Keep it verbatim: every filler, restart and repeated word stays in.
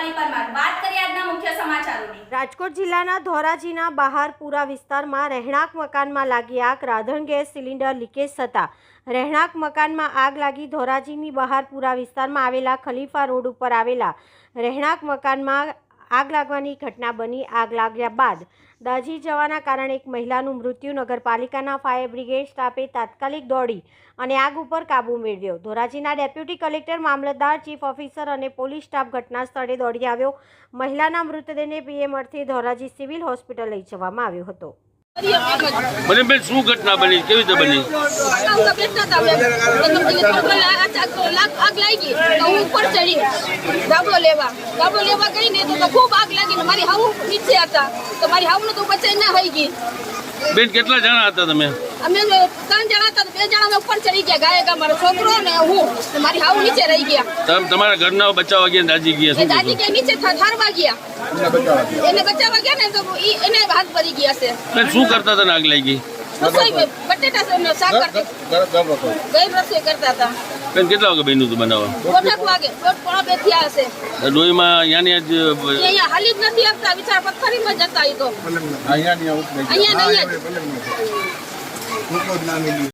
રૂપાલી પરમાર વાત કરીએ આજના મુખ્ય સમાચારોની। રાજકોટ જિલ્લાના ધોરાજીના બહારપુરા વિસ્તારમાં રહેણાંક મકાનમાં લાગી આગ। રાંધણ ગેસ સિલિન્ડર લીકેજ થતાં રહેણાંક મકાનમાં આગ લાગી। ધોરાજીની બહારપુરા વિસ્તારમાં આવેલા ખલીફા રોડ ઉપર આવેલા રહેણાંક મકાનમાં આગ લાગવાની ઘટના બની। આગ લાગ્યા બાદ દાઝી જવાના કારણે એક મહિલાનું મૃત્યુ। નગરપાલિકાના ફાયર બ્રિગેડ સ્ટાફે તાત્કાલિક દોડી અને આગ ઉપર કાબૂ મેળવ્યો। ધોરાજીના ડેપ્યુટી કલેક્ટર, મામલતદાર, ચીફ ઓફિસર અને પોલીસ સ્ટાફ ઘટના સ્થળે દોડી આવ્યો। મહિલાના મૃતદેહને પીએમ અર્થે ધોરાજી સિવિલ હોસ્પિટલ લઈ જવામાં આવ્યો હતો। બને બેન શું ઘટના બની, કેવી રીતે બની? આગ લાગી તો હું ઉપર ચડી ગાબડો લેવા ગાબડો લેવા ગઈ ને તો ખૂબ આગ લાગી ને મારી હાવ નીચે હતા તો મારી હાવ તો બચાઈ ના થઈ ગઈ। બેન કેટલા જણા હતા તમે? અમે ત્રણ જણા હતા, બે જણા અમે ઉપર ચડી ગયા, ગાયક મારો છોકરો ને હું, મારી હાવ નીચે રહી ગયા। તમે તમારા ઘરના બચાવવા ગયા, દાજી ગયા? શું દાદી કે નીચે ઠારવા ગયા, એને બચાવવા ગયા ને તો એને હાથ ભરી ગયા છે। બેન શું કરતા હતા ને આગ લાગી? રસોઈ બટેટા શાક કરતા, ગઈ રસોઈ કરતા હતા। બેન કેટલા વાગે બન્યું હતું બનાવવા? દોઢ વાગે, દોઢ પોણા બે થયા હશે। ડોહીમાં અહીંયાની જ અહીંયા હાલી જ નથી આપતા, વિચાર પથ્થરીમાં જતા એ તો અહીંયા અહીંયા